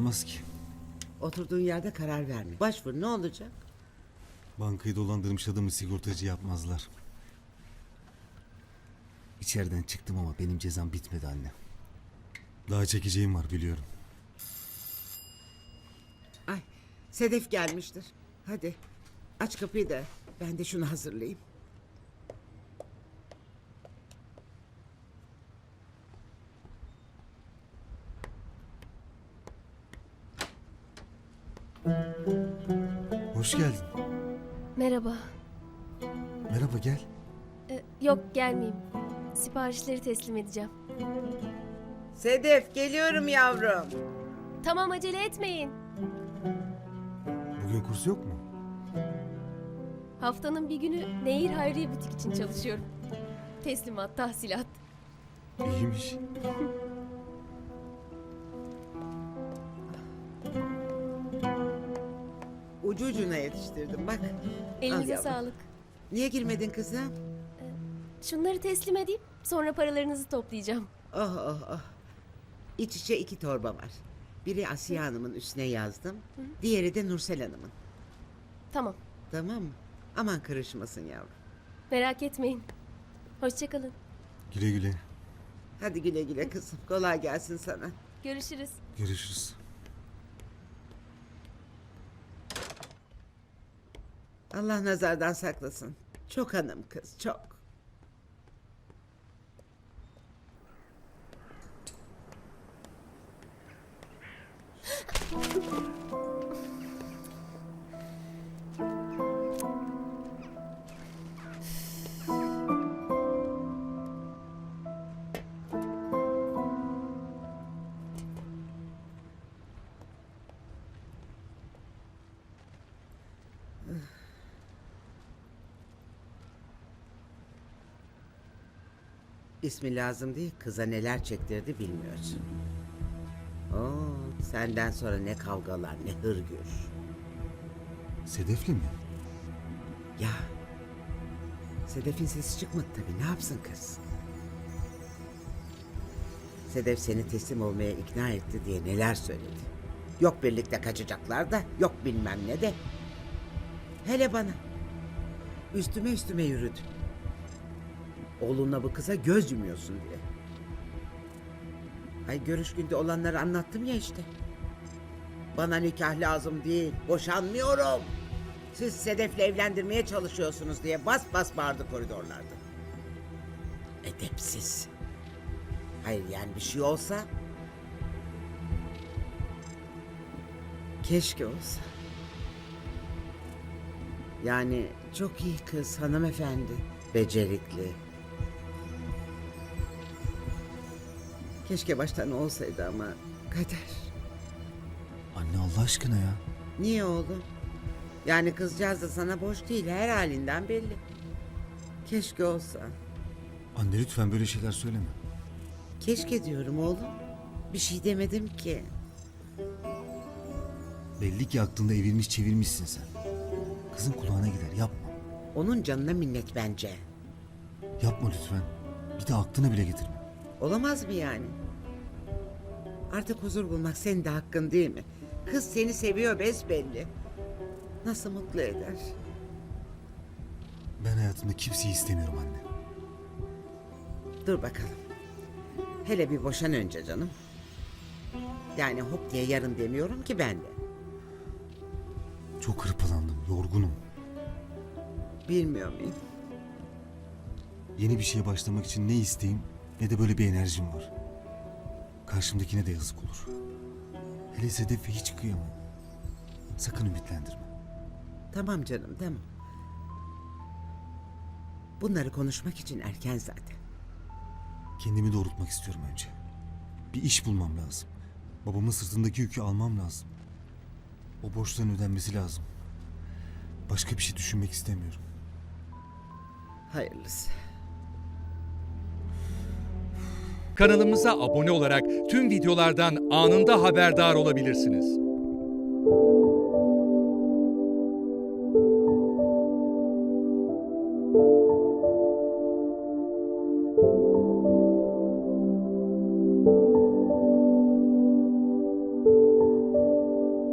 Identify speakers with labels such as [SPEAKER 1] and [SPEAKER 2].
[SPEAKER 1] olmaz ki.
[SPEAKER 2] Oturduğun yerde karar verme. Başvur, ne olacak?
[SPEAKER 1] Bankayı dolandırmış adamı sigortacı yapmazlar. İçeriden çıktım ama benim cezam bitmedi anne. Daha çekeceğim var biliyorum.
[SPEAKER 2] Ay, Sedef gelmiştir. Hadi aç kapıyı da ben de şunu hazırlayayım.
[SPEAKER 1] Hoş geldin.
[SPEAKER 3] Merhaba.
[SPEAKER 1] Merhaba gel.
[SPEAKER 3] Yok gelmeyeyim. Siparişleri teslim edeceğim.
[SPEAKER 2] Sedef, geliyorum yavrum.
[SPEAKER 3] Tamam acele etmeyin.
[SPEAKER 1] Bugün kurs yok mu?
[SPEAKER 3] Haftanın bir günü Nehir Hayriye Butik için çalışıyorum. Teslimat, tahsilat.
[SPEAKER 1] İyiymiş.
[SPEAKER 2] Ucu ucuna yetiştirdim bak. Al
[SPEAKER 3] Elinize
[SPEAKER 2] yavrum.
[SPEAKER 3] sağlık.
[SPEAKER 2] Niye girmedin kızım?
[SPEAKER 3] Şunları teslim edeyim, sonra paralarınızı toplayacağım.
[SPEAKER 2] Oh oh oh. İç içe 2 torba var. Biri Asiye Hanım'ın üstüne yazdım. Diğeri de Nursel Hanım'ın.
[SPEAKER 3] Tamam,
[SPEAKER 2] Tamam mı? Aman karışmasın yavrum.
[SPEAKER 3] merak etmeyin. Hoşçakalın.
[SPEAKER 1] Güle güle.
[SPEAKER 2] Hadi güle güle kızım. Kolay gelsin sana.
[SPEAKER 3] Görüşürüz.
[SPEAKER 1] Görüşürüz.
[SPEAKER 2] Allah nazardan saklasın. Çok hanım kız, çok. İsmi lazım değil, kıza neler çektirdi bilmiyorsun. Oo, senden sonra ne kavgalar, ne hırgür.
[SPEAKER 1] Sedefli mi?
[SPEAKER 2] Ya, Sedef'in sesi çıkmadı tabii, ne yapsın kız? Sedef seni teslim olmaya ikna etti diye neler söyledi. Yok birlikte kaçacaklar da, yok bilmem ne de. Hele bana. Üstüme yürüdü. Oğlunla bu kıza göz yumuyorsun diye. Ay görüş günde olanları anlattım ya işte. Bana nikah lazım değil, boşanmıyorum. Siz Sedef'le evlendirmeye çalışıyorsunuz diye bas bas bağırdı koridorlarda. Edepsiz. Hayır yani bir şey olsa... Keşke olsa. Yani çok iyi kız, hanımefendi. Becerikli. Keşke baştan olsaydı ama kader.
[SPEAKER 1] Anne Allah aşkına ya.
[SPEAKER 2] Niye oğlum? Yani kızcağız da sana boş değil, her halinden belli. Keşke olsa.
[SPEAKER 1] Anne lütfen böyle şeyler söyleme.
[SPEAKER 2] Keşke diyorum oğlum. Bir şey demedim ki.
[SPEAKER 1] Belli ki aklında evirmiş çevirmişsin sen. Kızın kulağına gider yapma.
[SPEAKER 2] Onun canına minnet bence.
[SPEAKER 1] Yapma lütfen. Bir de aklına bile getirme.
[SPEAKER 2] Olamaz mı yani? Artık huzur bulmak senin de hakkın değil mi? Kız seni seviyor besbelli. Nasıl mutlu eder?
[SPEAKER 1] Ben hayatımda kimseyi istemiyorum anne.
[SPEAKER 2] Dur bakalım. Hele bir boşan önce canım. Yani hop diye yarın demiyorum ki ben de.
[SPEAKER 1] Çok hırpalandım, yorgunum.
[SPEAKER 2] Bilmiyor muyum?
[SPEAKER 1] Yeni bir şeye başlamak için ne isteğim ne de böyle bir enerjim var. Karşımdakine de yazık olur. Hele Sedef'e hiç kıyamam. Sakın ümitlendirme.
[SPEAKER 2] Tamam canım tamam. Bunları konuşmak için erken zaten.
[SPEAKER 1] Kendimi doğrultmak istiyorum önce. Bir iş bulmam lazım. Babamın sırtındaki yükü almam lazım. O borçların ödenmesi lazım. Başka bir şey düşünmek istemiyorum.
[SPEAKER 2] Hayırlısı.
[SPEAKER 4] Kanalımıza abone olarak tüm videolardan anında haberdar olabilirsiniz.